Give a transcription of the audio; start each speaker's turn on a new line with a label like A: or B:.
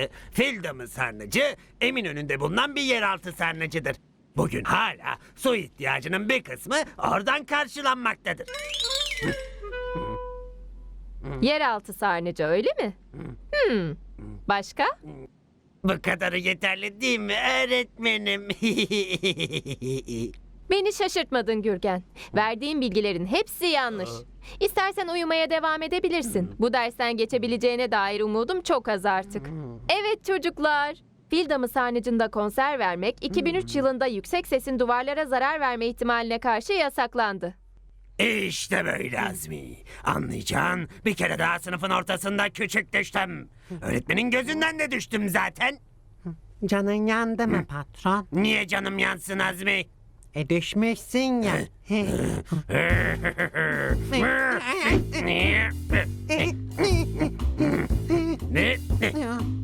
A: Fil damı sarnıcı Eminönü'nde bulunan bir yeraltı sarnıcıdır. Bugün hala su ihtiyacının bir kısmı oradan karşılanmaktadır.
B: Yeraltı sarnıcı öyle mi? Başka?
A: Bu kadarı yeterli değil mi öğretmenim?
B: Beni şaşırtmadın Gürgen. Verdiğin bilgilerin hepsi yanlış. İstersen uyumaya devam edebilirsin. Bu dersten geçebileceğine dair umudum çok az artık. Evet çocuklar. Fil damı sarnıcında konser vermek 2003 yılında yüksek sesin duvarlara zarar verme ihtimaline karşı yasaklandı.
A: İşte böyle Azmi. Anlayacağın bir kere daha sınıfın ortasında küçük düştüm. Öğretmenin gözünden de düştüm zaten.
C: Canın yandı mı patron?
A: Niye canım yansın Azmi?
C: Düşmüşsün ya.
A: Ne?